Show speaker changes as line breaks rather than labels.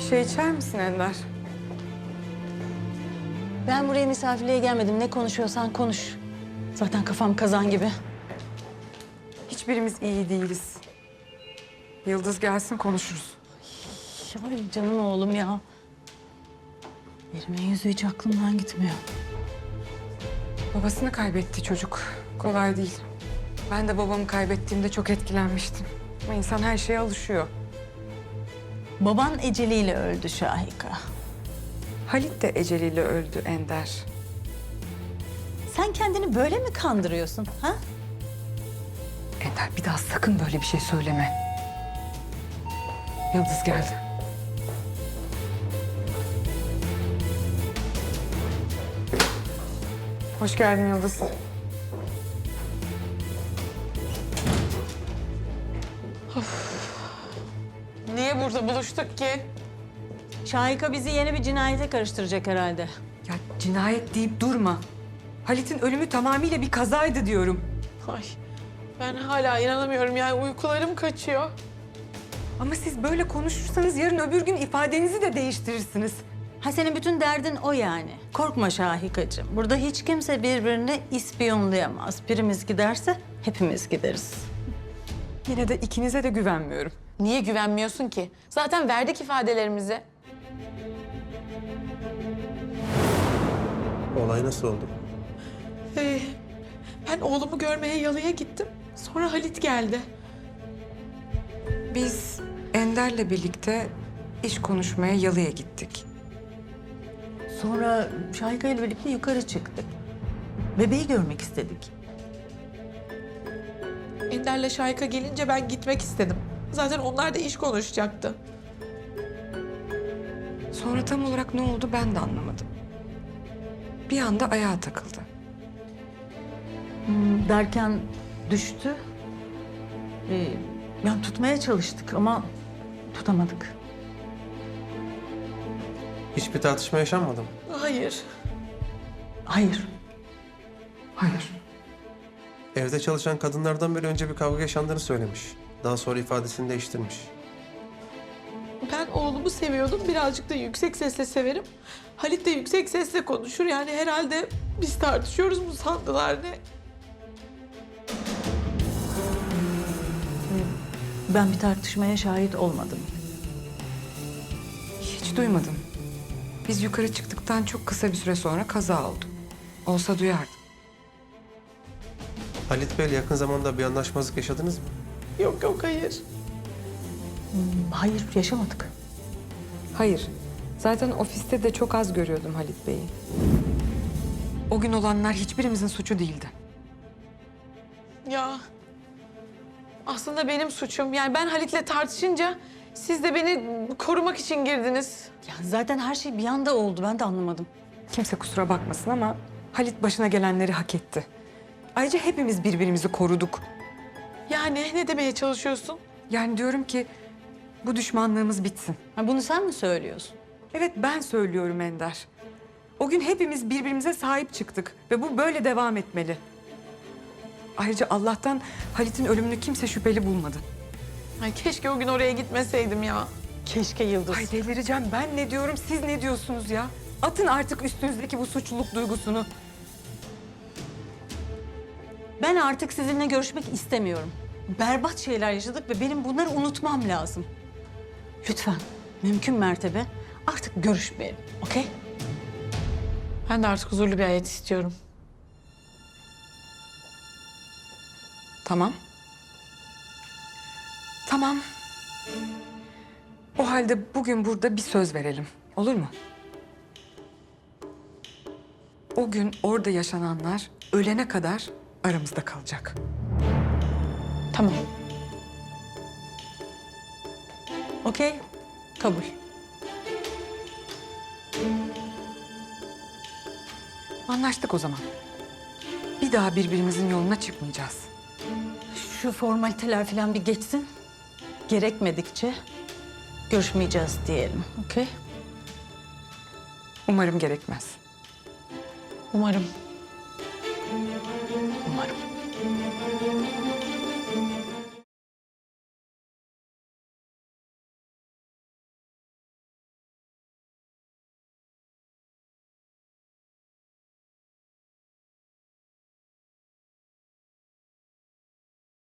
şey içer misin Ender?
Ben buraya misafirliğe gelmedim. Ne konuşuyorsan konuş. Zaten kafam kazan gibi.
Hiçbirimiz iyi değiliz. Yıldız gelsin konuşuruz.
Ay canım oğlum ya. Neriman yüzü hiç aklımdan gitmiyor.
Babasını kaybetti çocuk. Kolay değil. Ben de babamı kaybettiğimde çok etkilenmiştim. Ama insan her şeye alışıyor.
Baban eceliyle öldü Şahika.
Halit de eceliyle öldü Ender.
Sen kendini böyle mi kandırıyorsun ha?
Ender bir daha sakın böyle bir şey söyleme. Yıldız geldi. Hoş geldin Yıldız.
Niye burada buluştuk ki?
Şahika bizi yeni bir cinayete karıştıracak herhalde.
Ya cinayet deyip durma. Halit'in ölümü tamamıyla bir kazaydı diyorum.
Ay, ben hala inanamıyorum yani uykularım kaçıyor.
Ama siz böyle konuşursanız yarın öbür gün ifadenizi de değiştirirsiniz.
Ha senin bütün derdin o yani. Korkma Şahikacığım. Burada hiç kimse birbirini ispiyonlayamaz. Birimiz giderse hepimiz gideriz.
Yine de ikinize de güvenmiyorum.
Niye güvenmiyorsun ki? Zaten verdik ifadelerimizi.
Olay nasıl oldu?
Ben oğlumu görmeye yalıya gittim. Sonra Halit geldi.
Biz Ender'le birlikte iş konuşmaya yalıya gittik.
Sonra Şahika ile birlikte yukarı çıktık. Bebeği görmek istedik.
Ender'le Şahika gelince ben gitmek istedim. Zaten onlar da iş konuşacaktı.
Sonra tam olarak ne oldu ben de anlamadım. Bir anda ayağa takıldı.
Derken düştü. Yani tutmaya çalıştık ama tutamadık.
Hiçbir tartışma yaşanmadı mı?
Hayır.
Hayır.
Hayır.
Evde çalışan kadınlardan biri önce bir kavga yaşandığını söylemiş. Daha sonra ifadesini değiştirmiş.
Ben oğlumu seviyordum. Birazcık da yüksek sesle severim. Halit de yüksek sesle konuşur. Yani herhalde biz tartışıyoruz mu sandılar ne?
Ben bir tartışmaya şahit olmadım.
Hiç duymadım. Biz yukarı çıktıktan çok kısa bir süre sonra kaza oldu. Olsa duyardım.
Halit Bey'le yakın zamanda bir anlaşmazlık yaşadınız mı?
Yok yok hayır.
Hayır, yaşamadık.
Hayır. Zaten ofiste de çok az görüyordum Halit Bey'i. O gün olanlar hiçbirimizin suçu değildi.
Ya aslında benim suçum. Yani ben Halit'le tartışınca siz de beni korumak için girdiniz.
Ya zaten her şey bir anda oldu. Ben de anlamadım.
Kimse kusura bakmasın ama Halit başına gelenleri hak etti. Ayrıca hepimiz birbirimizi koruduk.
Yani ne demeye çalışıyorsun?
Yani diyorum ki bu düşmanlığımız bitsin.
Ha, bunu sen mi söylüyorsun?
Evet ben söylüyorum Ender. O gün hepimiz birbirimize sahip çıktık ve bu böyle devam etmeli. Ayrıca Allah'tan Halit'in ölümünü kimse şüpheli bulmadı.
Ay keşke o gün oraya gitmeseydim ya.
Keşke Yıldız.
Ay delireceğim. Ben ne diyorum, siz ne diyorsunuz ya? Atın artık üstünüzdeki bu suçluluk duygusunu.
Ben artık sizinle görüşmek istemiyorum. Berbat şeyler yaşadık ve benim bunları unutmam lazım. Lütfen, mümkün mertebe artık görüşmeyelim, okey?
Ben de artık huzurlu bir hayat istiyorum.
Tamam. Tamam. O halde bugün burada bir söz verelim. Olur mu? O gün orada yaşananlar ölene kadar aramızda kalacak.
Tamam.
Okey, kabul.
Anlaştık o zaman. Bir daha birbirimizin yoluna çıkmayacağız.
Şu formaliteler falan bir geçsin. Gerekmedikçe görüşmeyeceğiz diyelim, okey?
Umarım gerekmez.
Umarım.